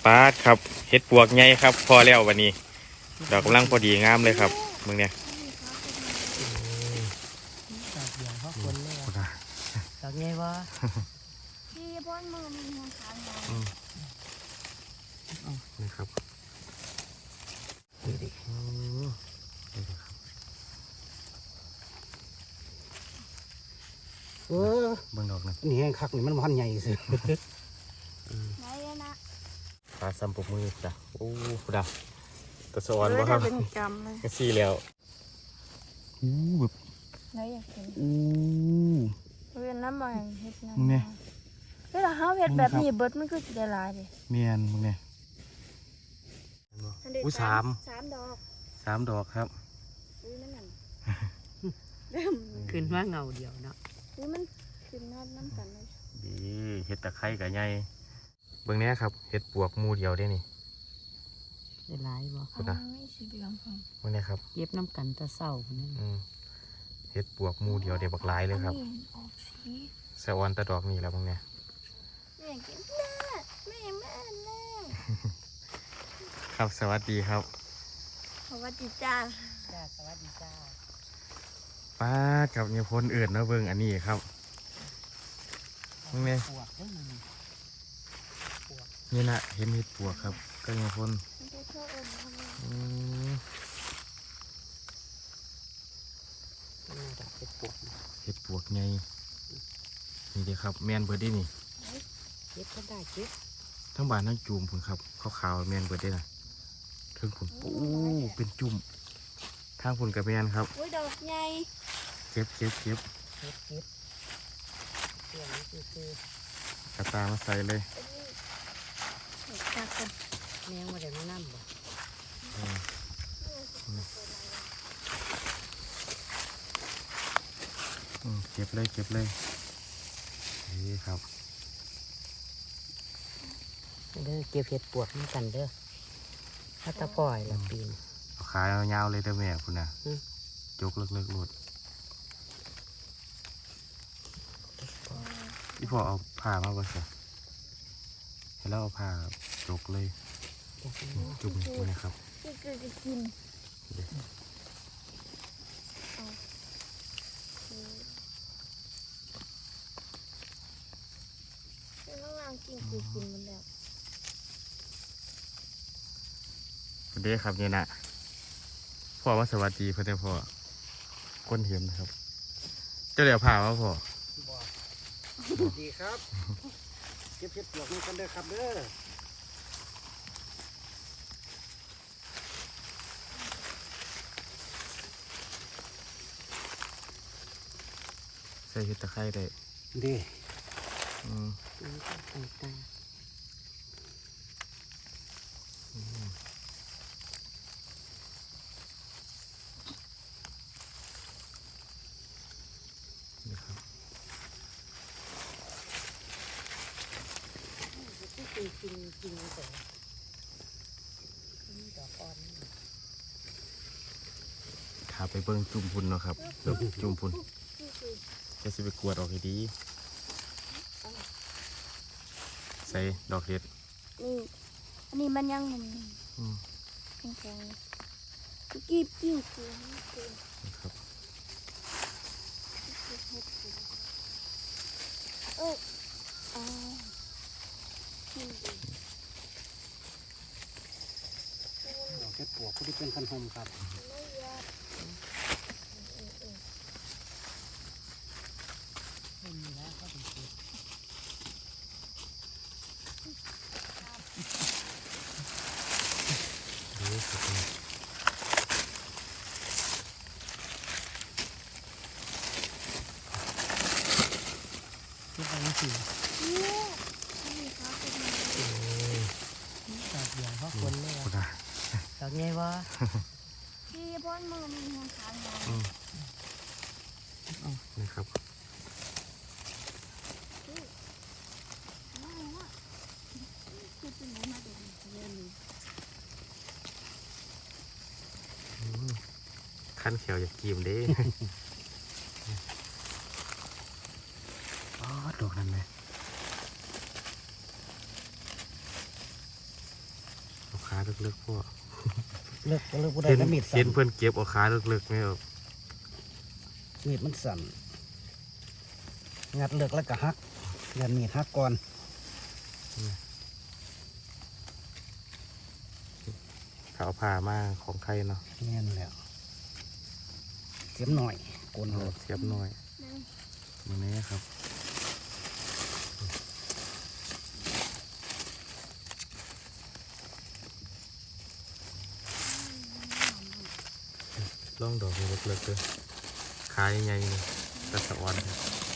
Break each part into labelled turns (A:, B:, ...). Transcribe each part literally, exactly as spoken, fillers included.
A: าดครับเฮ็ดปวกใหญ่ครับพอแล้ววันนี้ดอกกำลังพอดีงามเลยครับมึงเนี่ย
B: ดอกเดียวเขาคนเลยดอกใหญ่วะ
C: พี่พ่นมือมีหัวขาวใหญ่
A: นี่ครับดูดินี่ครับ
B: เออ
A: เบิ่งดอกนะ
B: นี่แห้งคักนี่มันพันใหญ่สิ
C: ไหนนะ
A: ปลาซัมปกมือจ้ะโอ้ดาตะสวรรค์บ่ครับ
C: เป็นกรรมเลย
A: ก็ซี่แล้วอู้แบบ
C: ไหนอยากเห็น
A: อู้
C: เรียนน้ำมันเห็ดน้
A: ำเนี่ย
C: เวลาเขาเห็ดแบบนี้เบิดมันคือจะได้ลายเลย
A: เมียนมึงเนี่ยอู้สาม
C: สามดอก
A: สามดอกครับ
C: อุ้ยนั่นน่ะ
B: ขึ้นว่าเงาเดียวเนาะ
C: อุ้ยมันขึ้นน้ำน้ำกันเลย
A: ดีเห็ดตะไคร้กับไงเบื้องนี้ครับเห็ดปวกมูเดียวได้นี่
B: ได้หลายบ่
C: คุณนะไม่สีเหลืองค่ะ
A: เบื้องนี้ครับ
B: เย็บน้ำกันตะเศร้าคนนั้น
A: เห็ดปวกมูเดียวเดี๋ยวบักหลายเลยครับสวรรค์ตะดอกนี่แล้วเบื้องนี้
C: แม่กินแม่แม่แม่แม่
A: ครับสวัสดีครับ
C: สวัสดีจ้า
B: จ้าสวัสดีจ้า
A: ป้ากับเนี่ยพ้นอื่นนะเบิ้งอันนี้ครับมึงเนี่ยนี่นะเห็นเห็ดปวกครับก็เนี่ยพ้นเห็ดปวกไงนี่เดียครับแมนเบิร์ดได้นี่
B: เก็บก็ได้เก็บ
A: ทั้งบานทั้งจุ่มผุนครับขาวๆแมนเบิร์ดได้นะถึงผุนโอ้เป็นจุ่มทางผุนกับแมนครับ
C: อุ้ยดอกใหญ่
A: เก็บเก็บเก็บ
B: เก็บเก็บเกี่ยวนี่คือก
A: ระตามาใส่เลย
B: แมงมาเดี๋ยวน้ำบ่
A: เก็บเลยเก็บเลยนี่ครับ
B: เด้อเก็บเห็ดปวกนี่กันเด้อถ้าตะปล่อยละปีน
A: เอาขายาวๆเลยเด้อแม่คุณน่ะจกเลิกๆหลุดพี่พ่อเอาผ้ามาบ่ใส่ให้เราเอาผ้าจกเลยจุ่มตัวนี้ครับ
C: นี่คือจะกินแล้ววางกินคือกินมันแล้ว
A: เด้ครับเนี่ยนะพ่อว่าสวัสดีเพื่อนพ่อก้นเห็นนะครับเจ้าเดี๋ยวผ่าว่าพ่อ
B: สวัสดีครับเก็บเห็ดปวกนี่กันเด้อครับเด้อ
A: ใส่เห็ดตะไคร้ได้
B: ดี
A: อืมนี่ครับ
B: จริงจริงจริงแต่ดอกอ่อน
A: ถ้าไปเบิ้งจุ่มพุ่นเนาะครับจุ่มพุ่นจะสิไปกวดออกให้ดีใส่ดอกเห็ด
C: นี่อันนี้มันยังมันแข็งๆกีบกิ้งคือ
A: นะครับ
C: เอออ๋อ
B: ดอกเห็ดปวกที่เป็นคันหอมครับที่ไปนี่สิดอกเดียวเขาคนเลยดอกใหญ่วะ
C: พี่พ่นมือมีหัวขาวใหญ่
A: นี่ครับขั้นเขียวอยากกินเด้อ๋อดอกนั่นไหมขาลึกๆพ่อ
B: เลิกก็เลิกบ่ได้
A: เห็น
B: แล้วมีด
A: เห็
B: สั่
A: น
B: น
A: เพื่อนเก็บเอาขาลึกๆไหมครับ
B: มีดมันสั่นงัดเลิกแล้วก็หักยันมีดหักก่อน
A: เขาเอาผ้ามาของใครเนาะ
B: แน่นแล้วเสียมหน่อยโกน
A: เอา
B: เอา
A: เสียบหน่อยมือนี้ครับล่องดอกเล็กๆเลยขาใหญ่ๆเลยกระสะออนเลย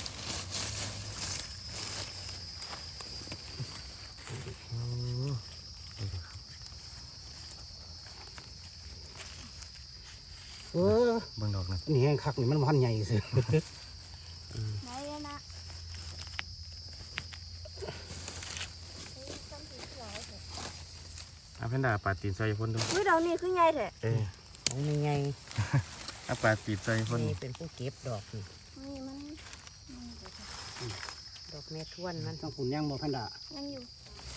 A: อืมนี่ครับ
B: เออ
A: เบิ่งดอกนะ
B: นี่แห้งคักนี่มันพันใหญ่สิ
C: ไหนอะนะเฮ้ยซ้ำสีหลายเถอะ
A: เอาแพนด้าปาดตีนใส่พ่นดู
C: อุ้ยดอกนี่คือไงเถอะ
A: เอ้ย
B: ของนี่ไง
A: เอาปาดตีนใส่พ่น
B: นี่เป็นผู้เก็บดอกนี่
C: นี่มันนี่เดี๋ยวก่อน
B: ดอกแม่ทวนมันต้องฝุ่นย่างบ่พันดา
C: ยังอยู่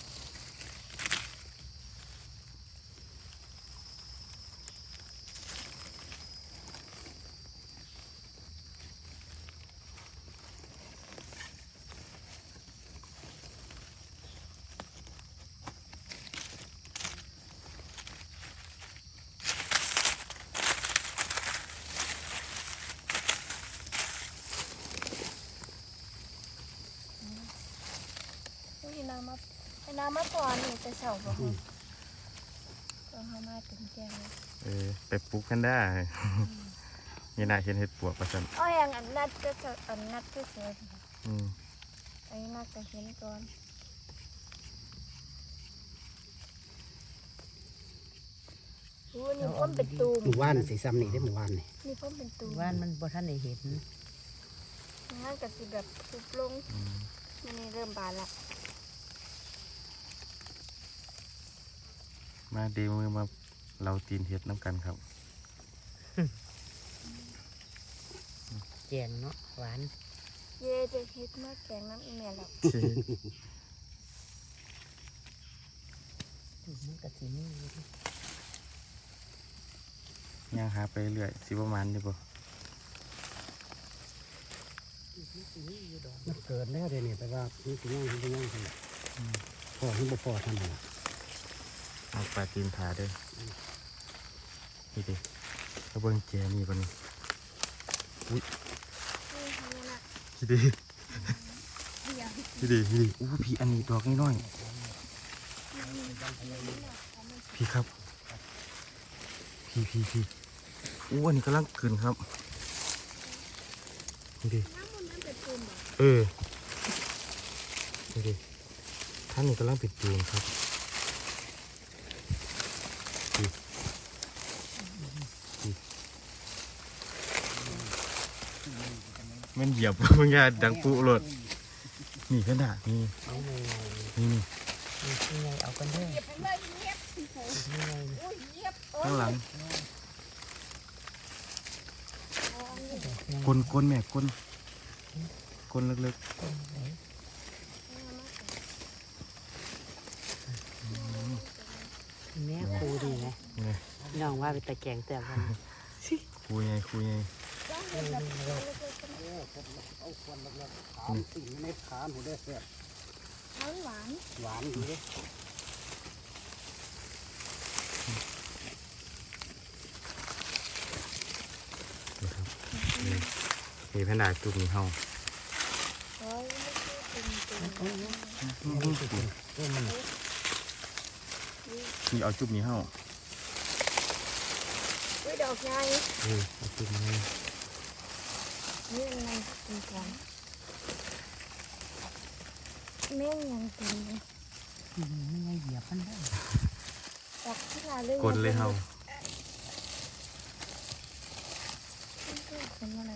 C: นี่น้ำมาไอ้น้ำมาก่อนนี่จะเฉาบ่ฮะต้องเอามาถึงแจงเลย
A: เออไปปลูกแพนด้า นี่น่าเห็นเห็ดปวกประสัน
C: อ้อยอย่างอันนัดก็จะอันนัดก็เสีย
A: อืม
C: อันนี้นัดจะเห็นก่อนอู้นี่พ่อมเป็นตูม
B: หมู่บ้านสีซ้ำนี่ได้หมู่บ้านนี่
C: นี่พ่อมเป็นตูม
D: ว่านมันบ่ทันได้เห็น
C: งั้นก็สิแบบสุบลงมันนี่เริ่มบานละ
A: มาเดมือมาเราตีนเห็ดน้ำกันครับ
D: แจงเนาะหวาน
C: เย่จะเฮ็ดมาแกงน้ำอีเมลแล้ว
D: มันก็สิมีอยู่ดิ
A: ย่างหาไปเรื่อยสิประมาณนี้ป่
D: มันสิมีอยู่ดอก
B: มันเกิดแล้วเดี๋ยวนี้แต่ว่านี่สิย่างสิย่างสิพอที่บ่พอทำนี่ล่ะ
A: เอาปลาตีนถาเด้วยนี่ดิแล้วเบิ้งแจนี่ปะนี่อุ้ย
C: นี่นะ
A: พี่ดิ
C: เดี๋ยว
A: พี่ดิพี่ดิอู้พี่อันนี้ดอกน้อยๆพี่ครับ พี่พี่พี่อู้อันนี้กำลังขึ้นครับนี่ดิ
C: น้ำมันมันเป็นตูมเหรอ
A: เออนี่ดิท่านนี้กำลังปิดจูงครับนี่นี่แมันเหยียบ มึงอย่าดังปุโลดนี่ขนาดนี่
D: เอาไง
A: นี่นี่
D: นี่คือไงเอากันเด้อ
C: เหยียบไปเลยเหยียบ
D: นี่ไง
C: โอ้ยเหยียบโอ้
A: ข้างหลัง
D: ยัง
A: กลนกลนแม่กลนกลนเล็ก
D: ต้นไหนแม่ครูดีไหม
A: ๆนี่
D: น้องว่าไปตะแกงแต่วัน
A: คุยไงคุยไง
B: เอาควันแล้วๆขามสิ่งในขาหนูได้แซ่บ
C: หวาน
B: หวานดีเด้
A: นี่ครับนี่นี่แพนด้าจุกนี่เฮา
C: โอ้ยไม่ใช่เป็นตูม
D: เอ้ยมัน
A: นี่เอาจุกนี่เฮา
C: อุ้ยดอกใหญ่
A: เออเอาจุกนี่
C: นี่มันกินกันแม่งยังกินเลย
D: นี่ไงเหยียบมันได้
C: ดอกที่ลาเรื่อง
A: กลนเลยเฮา
C: คนอะไร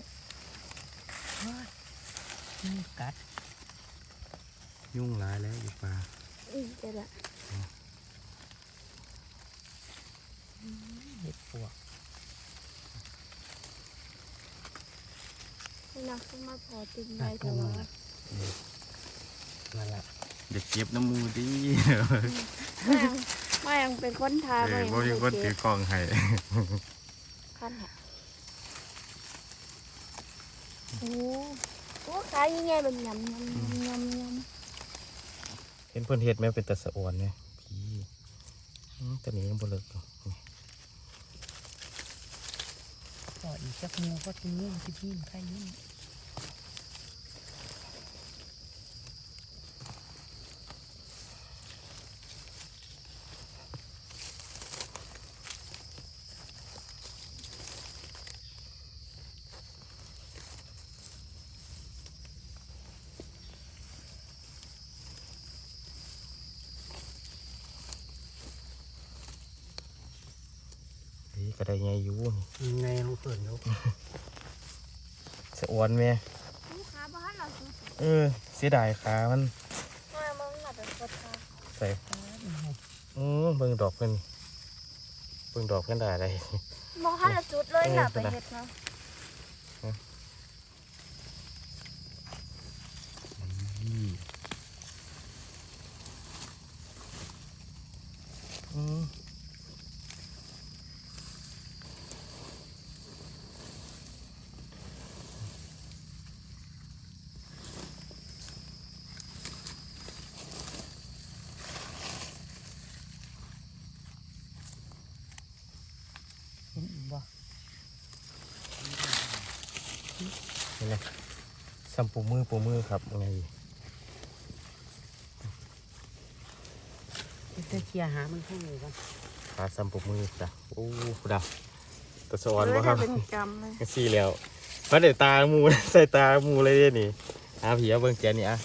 D: มันกัด
A: ยุ่งหลายแล้วอยู่ป่า
C: อือเดี๋ยวละ
D: เห็ดปวก
C: ไม่นักขึ้นมาพอติดได้แต่ว่า
B: นั่นล่ะ
A: เด็กเก็บน้ำมูดิ
C: แม่งมายังเป็นคนทา
A: เอ
C: มา
A: อ
C: ยัง
A: บ่มีคนถือกล่องให้
C: ขั้นหะโอ้โอ้ขายยังไงเป็นยำยำยำยำ
A: เห็นเพิ่นเฮ็ดแม่เป็นตะสะอวนเนี่ยพี่อืมตอนนี้ยังบ่เลิกอยู่
D: ต่ออีกจักหมูก็กินนี่ที่พี่ใครนี่
A: นี่ก็ได้ไงอยู่นี่
B: ยังไงลองเปิดดู
A: สะอวนแม่
C: ลูกค้าบ้านเราซื้อ
A: เออเสียดายขามัน
C: มามันหลับเป็นคนทา
A: ใส่อือเบิ่งดอกเพิ่นเบิ่งดอกเพิ่นได้อะไร
C: มองห้าละจุดเลยหลับไปเห็ดเนาะ
A: อืม
D: เห็นอีกบ่
A: นี่นะซ้ำปูมือปูมือครับไง
D: จะเคลียร์หามันข้างในก่อน
A: ขาซ้ำปูมือจ้ะโอ้ดาวตะสะอวนบ่ครับ
C: เป็นกรรมเลย
A: ก็สี่แล้วมาเดี๋ยวตาหมู ใส่ตาหมูเลยเด้นี่อาผีเอาเบิ่งแกนี่อ่ะ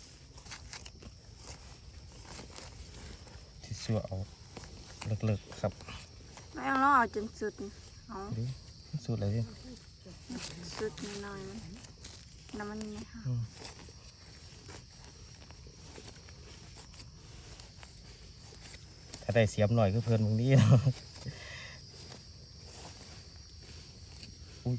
A: ที่ชัวเอาเลิกๆครับ
C: ไม่เอาล้อเอาจนสุดเอา
A: ดิสุดเลยดิ
C: สุดน้อยๆมันน้ำมันนี่ค่ะ
A: ถ้าได้เสียบหน่อยก็เพิ่นมึงดีเนาะอุ้ย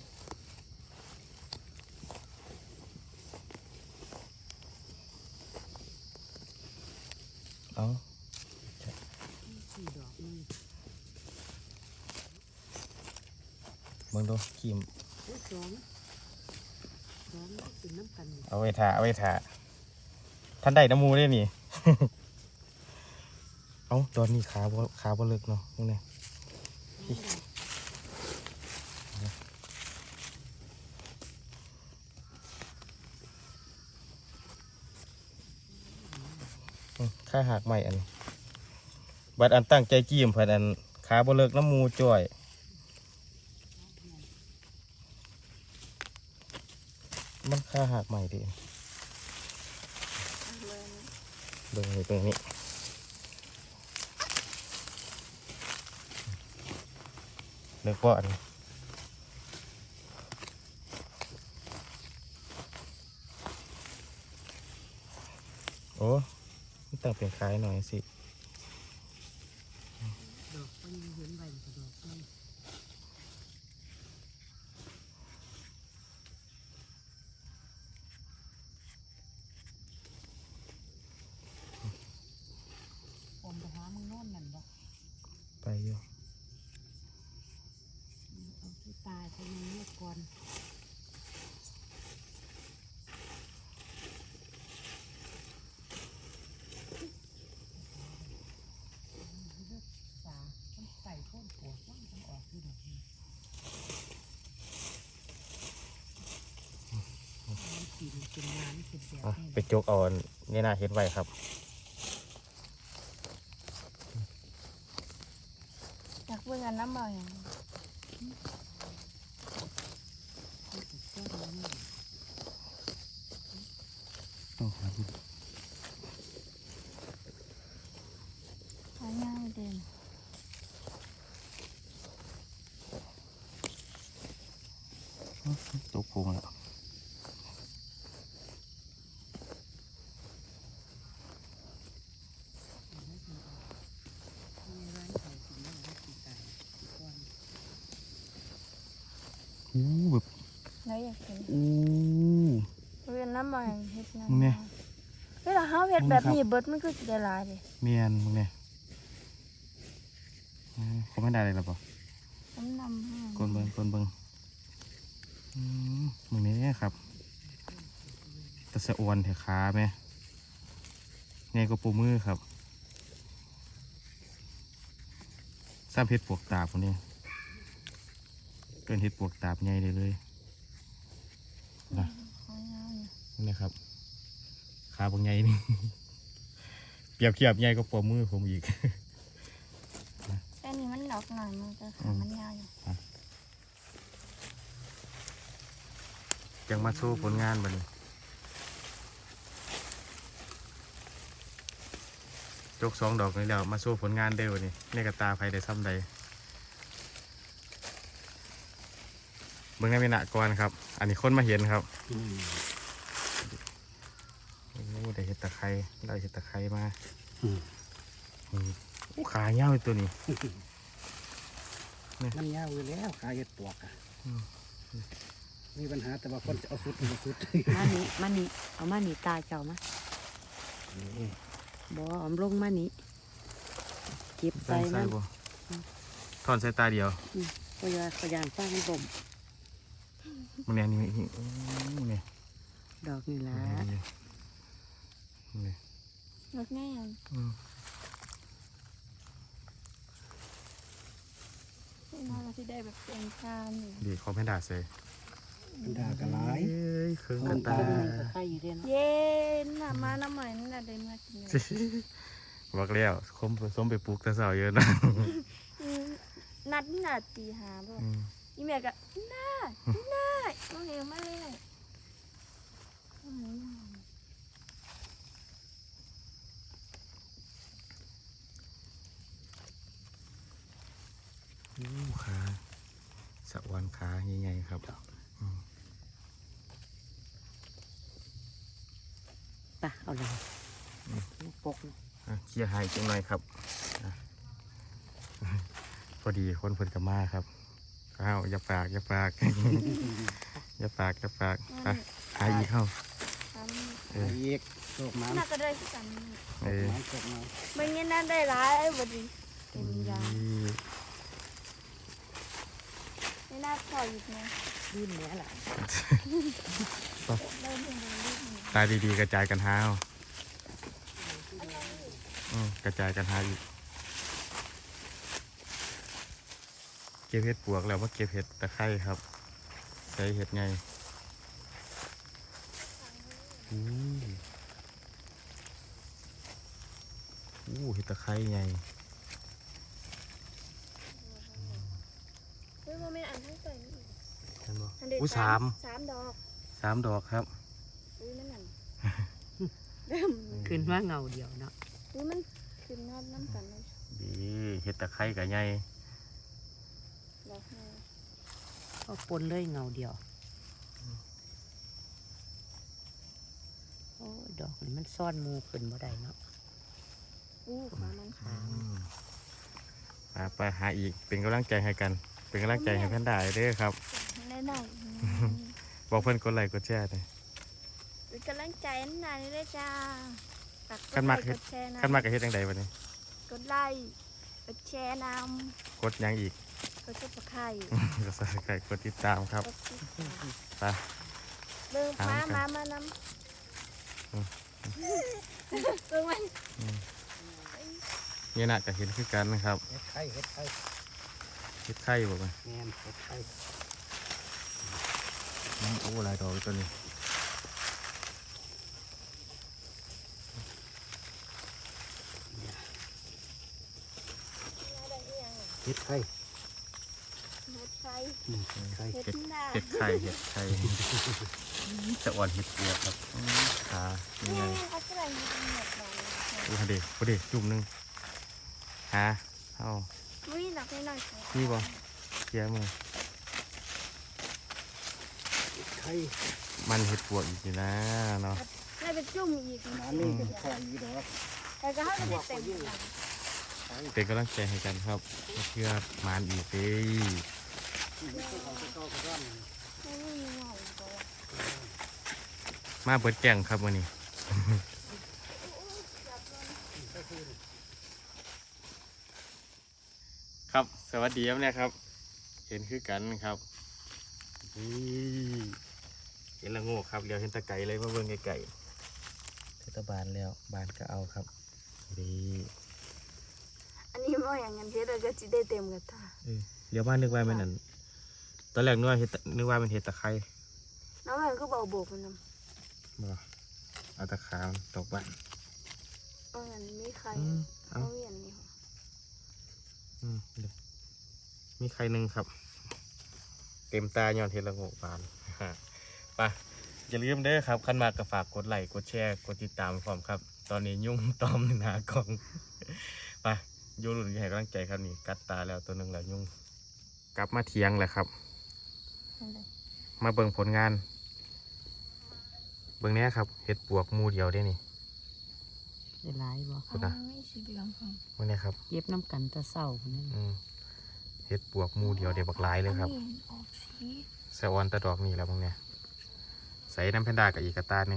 A: เอา
D: สี่ดอกนี่
A: เบิ่งดูขีม
D: โอ้ยสองสองนี่เป็นน้ำกัน
A: เอาไว้ถ่าเอาไว้ถ่าท่านได้น้ำมูได้นี่ เอาตอนนี้ขาบ่ขาบ่เลิกเนาะมึงเนี่ยอืมค่าหักใหม่อันนี้บัดอันตั้งใจจิ้มเพิ่นอันขาบ่เลิกน้ำมูจ่อยมันค่าหักใหม่ดิ
C: เลย
A: เบิ่งนี่ตรงนี้เลิกบ่อันนี้โอ้มันต้องเป็นคล้ายหน่อยสิ
D: ดอกก็ยังเห็นใบกับดอกนี่ผมไปหามึงโน่นนั่นบ่
A: ไปอยู่
D: เอาที่ตายไปยังเลือกก่อนสามันใส่ต้นปวดมันจะออกที่ดอกนี้มันกินเป็นน้ำเป็นแบบ
A: อ่ะ
D: นี้
A: ไปจกเอาอันนี่น่าเห็นไว้ครับ
C: อยากเบิ่งอันน้ำเบาอย่าง
A: ต้องหาดู
C: หาง่ายเด่น
A: ตัวโกงแล้ว อู้แบบ
C: แล้วอยากเห็น
A: อู้
C: เวียนน้ำเบาอย่างเฮ็ดนะ
A: มึงเนี่ย
C: เวลาเฮาเฮ็ดแบบนี้เบิดมันคือสิได้หลายเด้
A: เมียนมึงเนี่ยอืมเขาไม่ได้เลยหรอปะ
C: น้ำนำให้
A: กลนเบิงกลนเบิงอืมมึงนี้ครับแตะสะอวนเถอะขาไหมไงก็ปูมือครับซ้ำเห็ดปวกตาบคนนี้เกินเห็ดปวกตาบใหญ่เลยเลยนะ
C: ขอยาวอยู่
A: นี่ครับขาบางใหญ่นี่ เปรียบเทียบใหญ่ก็ปวมือผมอีก
C: แต่นี่มันดอกหน่อยมันจะขามันยาวอยู่
A: ยังมาสู้ผลงานบัดนี้จกสองดอกนี่แล้วมาสู้ผลงานเด้อวันนี้ในกระตาไฟได้ซ้ำใดเบิ่งให้มีหนักก่อนครับ อันนี้คนมาเห็นครับ
B: อืม
A: โอ้ได้เห็ดตะไคร้ได้เห็ดตะไคร้มา
B: อืม
A: อืมโอ้ขาเหี่ยวตัวนี้
B: มันยาวอยู่แล้วขาเห็ดปวกอ่ะ
A: อืม
B: มีปัญหาแต่ว่าคนจะเอาสุดเอาสุด
D: มานี่มานี่เอามานี่ตาเจ้ามาบ่เอาลงมานี่เก็บใส่
A: ใส่
D: มัน
A: บ่ถอนใส่ตาเดียว
D: ก็ยาขยานฟ้ามันบ่ม
A: มึงเนี่ยนี่นี่โอ้เนี่ย
D: ดอกนี่ล่ะ
A: นี่นี่
C: ดอกง่ายอ่ะ
A: อืม
C: นี่น่าจะได้แบบเป็นการอยู่
A: ดีเขาไม่ด่าเซ่
B: มันด่ากระไร
A: เอ้ยเครื่อง
B: มั
A: กัน
B: น
A: ตา
B: ตา
D: มันก็ไข่อยู่เด้เนาะ
C: เย็นน่ะมาน้ำใหม่นั่นแหละได้มากินเลย
A: บอกแล้วคมผสมไปปลูกแต่เสาเยอะนะ
C: อืมนัดนัดตีหาบ่
A: อืม
C: อีแม่ก็น่าน่าเอาเหนียวมาเลยอืม
A: โอ้ขาสะอวนขาใหญ่ๆครับอืม
D: ไปเอาเลยปกนะ
A: อ่ะเคลียร์ให้จังหน่อยครับอ่ะ พอดีคนเพิ่นกับมาครับอ้าวอย่าปากอย่าปาก อย่าปากอย่าปากไปหาอีกเข้า
C: ทำ
A: เออ
B: อีกโชคมัน
C: น่าก็ได้ที่กัน
A: เออ
B: มันโชคมัน
C: บางอย่างนั้นได้หลายบดีเป็นยาไม่น่าพออยู่นะ
D: ยื่นแม่ล่ะ
C: เริ่มเป็นรูปนี้
A: ตาดีๆกระจายกันหาเอาอืมกระจายกันหาอีกเก็บเห็ดปวกแล้วว่าเก็บเห็ดตะไคร้ครับใส่เห็ดไงอู้อู้เห็ดตะไคร้ไง
C: เฮ้ยโมเมนต์อันทั้งใจนี่
A: เห็นบ่
C: อันเดียว
A: อู้สาม
C: สามดอก
A: สามดอกครับ
C: อุ้ยนั่นน่ะเริ่ม
D: ขึ้นว่าเงาเดียวเนาะ
C: อุ้ยมันขึ้นนอนน้ำกันเลย
A: ดีเห็ดตะไคร้กับไง
C: ดอกไง
D: ก็ปนเลยเงาเดียวโอ้ยดอกนี่มันซ่อนหมูขึ้นบ่ได้เนาะ
C: อู้ขามันขาว
A: อ่าไปหาอีกเป็นกำลังใจให้กัน เป็นกำลังใจให้เพื่อนได้เด้อครับ
C: แน่นอน
A: บอกเพื่อนกดไลค์กดแชร์เลย
C: เป็นกำลังใจนั่นน่ะนี่เลยจ้าฝากก
A: ขั้
C: ด
A: น
C: ไล
A: มาก
C: ค์
A: เฮ็
C: ก
A: ด
C: ดแชร์นะ
A: ขั้นมากกับเฮ็ดยังไงวันนี้
C: กดไลค์กดแชร์น
A: กดหยังอีก
C: ำกดซุปเปอร์ไข่
A: ก็ใส่ไก่กดติดตามครับ
C: กดติดตาม
A: ไป
C: เบิ่ง
A: ตาม
C: มา
A: กัน
C: มามาน
A: อืม
C: ำเบิ่งมัน
A: นี่นะก็เห็นคือกันนะครับ
B: เห็ดไข่เห็ดไข่
A: เฮ็ดไข่บอกว่า
B: แมนเห็ดไข่
A: อืมโอ้หลายดอกเลยตัวนี้
B: เห็ดไข่
C: เห็ดไข่
B: อืมเห็ดไข่
C: เห็ดหน้า
A: เห็ดไข่เห็ดไข่จะอ่อนเห็ดปวกครับอืมขานี่
C: นี่
A: ไง
C: เขากำลังยิงเห็ดบอล
A: โอ้เด็กโอ้เด็กจุ่มหนึงหาเอา
C: อุ้ยหนักนิดหน่อย
A: นี่บ่เคลียร์มือ
B: เห็ดไข่
A: มันเห็ดปวกอีกทีนะเนาะ
C: ได้เป็นจุ่มอีก
B: อันนี้เป็นไข่อีดอก
C: แต่ก็ให้มันได้เต็มเลย
A: เป็นกำลังใจให้กันครับเพื่อมานอีกเด้
B: ไม่ต้องเอาไปเข้ากระด้าง
C: ไม่มีเงาตัว
A: มาเปิดแก่งครับวันนี้ ขครับสวัสดีครับเนี่ยครับเห็นคือกันครับนี่เห็นละโงกครับเดี๋ยวเห็นตะไก่เลยมาเบิ่งไก่เทศบาลแล้วบานก็เอาครับดี
C: อันนี้บ่อย่างงั้นเฮ็ดแล้วก็สิได้เต็มกระตา
A: เออเดี๋ยวบ้านนึกว่ามันนั่นตอนแรกนึกว่าเห็ดนึกว่ามันเห็ดตะไคร้
C: น้ำมันก็บ่โบกมันนำ
A: บ่เอาตะขามันตกบ้าน
C: เอางั้นมีใคร
A: อืม
C: เอา
A: เอา
C: เวียนนี่
A: อืมเดี๋ยวมีใครหนึ่งครับ เต็มตาย้อนเห็ดละโงกบาน ไปอย่าลืมเด้อครับขั้นมากก็ฝากกดไลค์กดแชร์กดติดตามพร้อมครับ ตอนนี้ยุ่งตอมหนากล่อง ไปอยูรุ่นให้กำลังใจครับนี่กัดตาแล้วตัวหนึ่งแล้วยุ่งกลับมาเทียงแหละครับ
C: นั่นเลย
A: มาเบิ่งผลงาน เบิ่งเนี้ยครับเห็ดปวกหมูเดียวได้นี่
D: ได้หลายบ่
A: คุณนะ
C: ไม่สีเหลืองของ
A: เบิ่งเนี้ยครับ
D: เก็บน้ำกันแตะเศร้าคนนี้
A: อืมเห็ดปวกหมูเดียวเดี๋ยวบักหลายเลยครับ
C: อันนี้ออกสี
A: สะออนตะดอกนี่แล้วเบิ่งเนี้ยใส่น้ำแพนด้ากับอีกกระตาหนึ่ง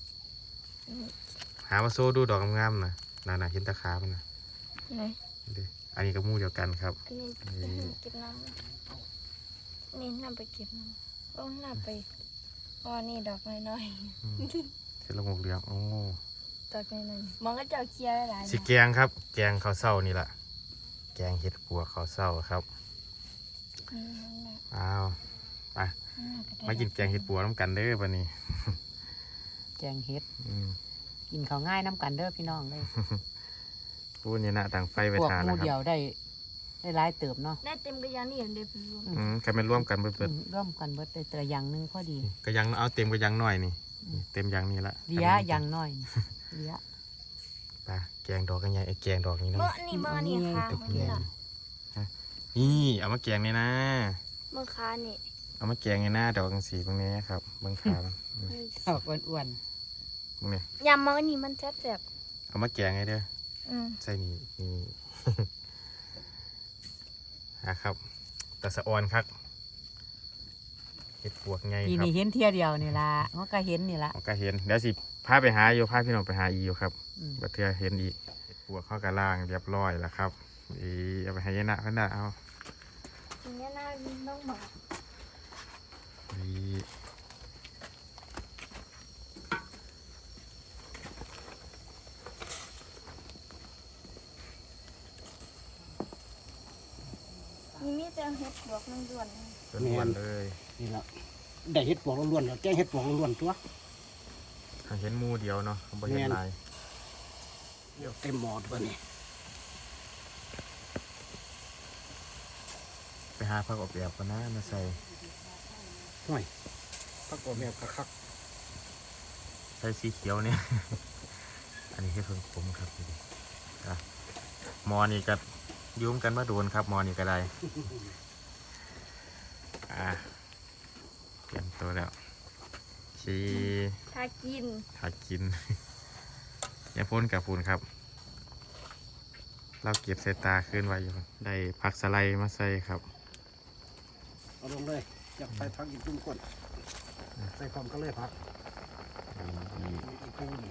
A: หามาโซ่ดูดอกงามๆนะน่าน่ะเห็นตะขามันนะ
C: ไหน
A: ดิอันนี้ก็หมูเดียวกันครับ
C: อันนี้เก็บน้ำนี่น้ำไปเก็บน้ำต้องน้ำไปอ๋อนี่ดอกน้อย
A: อืมเห็ดละโงกเหลืองโอ้
C: ๆดอกน้อยๆมองก็จะเอาเคลียร์หลายๆ
A: สิแกงครับ แกงข้าวเศร้านี่แหละแกงเห็ดปวกข้าวเศร้าครับ
C: นี่นั่นน่ะ
A: อ้าวไป
C: นั่นน่ะก็ได้
A: มากินแกงเห็ดปวกน้ำกันเด้อวันนี้
D: แกงเฮ็ด
A: อืม
D: กินข้าวง่ายน้ำกันเด้อพี่น้องเลย
A: พูดเนี่ยนะต่างไฟไป
D: พวก
A: ทาน
D: หมู
A: แล้วค
D: เดีย
A: รับ
D: วได้ได้หลายเติบเนาะ
C: ได้เต็มกระยานนี่เดี๋ยวไปรวม
A: อืมใครเป็นร่วมกันเบิด
D: อืมร่วมกันเบิดได้แต่ละอย่างหนึงพอดี
A: ๆก็ยังเอาเต็มก็ยังหน่อยนี่นี่เต็มยังนี่ละ
D: เลี้ยอย่างน้อยนี่เลี้ย
A: ไปแกงดอกกันใหญ่ไอ้แกงดอกนี้เนาะ
C: เมื่อนี่เมื่อนี่ค่ะ
A: ตะ
C: เมื่อ
A: เกีย
C: นี่
A: ง
C: ล่ะ
A: นี่เอามาแกงนี่นะ
C: เมื่อค้านี่
A: เอามาแกงในหน้าดอกกังสีตรงนี้ครับเบื้องขามันอืม
D: ดอกอ้วน
A: ตรงนี้
C: ยำมันนี่มันแซ่บ
A: เอามาแกงไงเด้อ
C: ๆอืม
A: ใส่นี่นี่ นะครับตะสะออนครับเห็ดปวกไง
D: ๆปี
A: ครับ
D: นี้เห็นเที่ยเดียวนี่ล่ะมันก็เห็นนี่ล่ะ
A: มันก็เห็นเดี๋ยวสิพาไปหาอยู่พาพี่น้องไปหาอีอยู่ครับ
D: อืม
A: บัดเทือเห็นอีกเห็ดปวกเข้ากระล่างเรียบร้อยแล้วครับอีเอาไปให้ยายนะเพิ่นน่ะเอา
C: ทีนี้น่าต้องหมา
A: อี
C: นี่มีแต่เห็ดบวกมันด่วน
A: ต้นวันเลย
B: นี่ละได้เห็ดปวกล้วนๆแล้วแกงเห็ดปวกล้วนๆตัว
A: เห็นหมูเดียวเนาะบ่เห็นหลาย
B: เดี๋ยวเต็มหมอตัวนี้
A: ไปหาผักอบแอบกันนะมาใส่
B: ห่วยพักกบแบบคัก
A: ใส่สีเขียวเนี่ย อันนี้คือเพิ่งขมครับดูดิอ่ะหมอนี่ก็ยุ่มกันมาโดนครับหมอนี่ก็ได้ อ่ะเตรียมตัวแล้วชี
C: ถ้ากิน
A: ถ้ากิน อย่าพ่นกับฝุ่นครับ เราเก็บใส่ตาขึ้นไว้อยู่ครับได้ผักสไลด์มาใส่ครับ
B: ๆเอาลงเลยอยากใส่พักอีกตุ้มก้นใส่ความก็เลยพัก
A: นี่
B: อีกปูนี่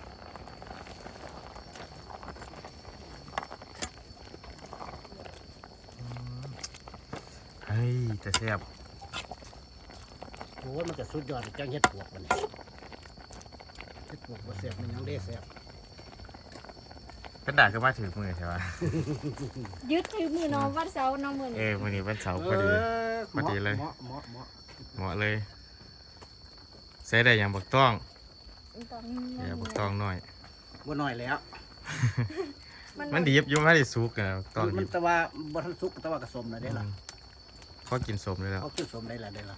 A: เฮ้ยจะแซ่บ
B: โอ้ยมันจะสุดยอดแกงเห็ดปวกมันนี่เห็ดปวกบ่แซ่บมันยังได้แซ่บ
A: กระดาษก็มาถือมือใช่ปะ
C: ยึดถือมือน้องวัดเสาร์น้องมือ
A: เอ
C: นี่
A: อวันนี้วันเสาร์พอดี พอดีเลย
B: เหมาะเหมาะเหมาะ
A: เหมาะเลยใส่ได้อย่างบักต้อง
C: ตอน
A: เดี๋ยวบักต้องหน่อย
B: บ่น้อยแล้ว
A: มันดีบอยุ่งไม่ได้สุกนะบักต้อง
B: มั
A: ดี
B: น
A: บ
B: แต่ว่าบ่ทันสุกแต่ว่ากระสมน่ะได้ล่ะ
A: เขากินสมเลยแล้ว
B: เขากินสมได้ล่ะได้ล่ะ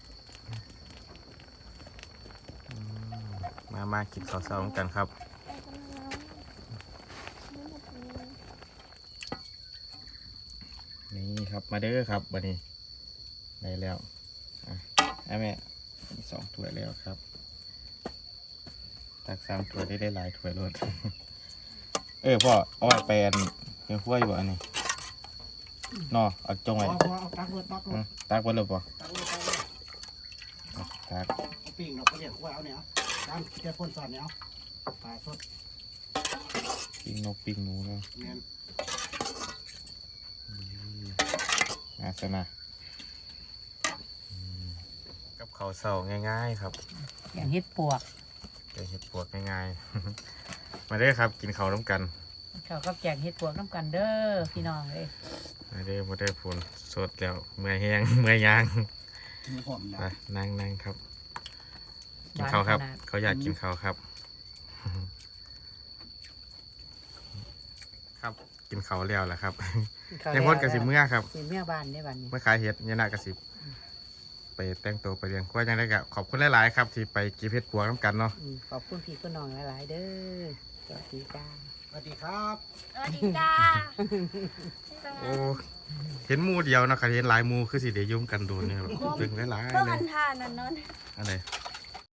A: มามากินข้าวเช้ากันครับ นี่ครับมาเด้อครับวันนี้ได้แล้วอ่ะไอ้แม่มีสองถ้วยแล้วครับตักสามถ้วยได้ได้หลายถ้วยรถ เออพ่อเอาไว้แปลนเนื้อขั้วอยู่อันนี้นอเอาจงไว้
B: พอพอเอาตักเลยตักเล
A: อื
B: ย
A: มตักไว้เลยป่ะ
B: ตักเลยตักเลย
A: ตัก
B: เอาปิ้งดอกกระเดียดไว้เอาเนี่ยเอาตามแค่พ่นสอนเนี่ยเอาปลาสด
A: ปิ้งนกปิ้งหนูเนาะ
B: แม่น
A: อาสนะอืมกับข้าวเสาง่ายๆครับ
D: อย่างเฮ็ดปวก
A: แกงเห็ดปวกง่ายๆ มาเด้อครับกินข้าวน้ำกัน
D: เขาก็แกงเฮ็ดปวกน้ำกันเด้อพี่น้องเลย
A: มาเด้อมาเด้อพูนสดแล้วเมื่อยแห้ง เมื่อยยาง
B: มีหอม
A: ไป
B: ดำ
A: นั่งนั่งครับ กินข้าวครับ เขาอยากกินข้าวครับ ครับกินข้าวแล้วแหละครับยังพ้นกระสิเมื่อครับ
D: สิเมื่อบ้านได้บ้านนี้
A: เมื่อขายเห็ดยานากระสิไปแต่งตัวไปเรียนว่ายังได้กะขอบคุณหลายๆครับ ที่ไปกินเห็ดปวกน้ำกันเนาะ
D: อืมขอบคุณพี่คุณน้องหลายๆเด้อสวัสดีจ้า
B: สวัสดีครับ
C: สวัสดีจ้า
A: โอ้เห็นหมูเดียวเนาะครับเห็นหลายหมูคือสิเดี๋ยวยุ่มกันโดนเนี่ยแบบตึงหลาย
C: เมื่อ
A: ๆเล
C: วั
A: ย
C: นทานนั่นเนอน
A: อะไร
C: เ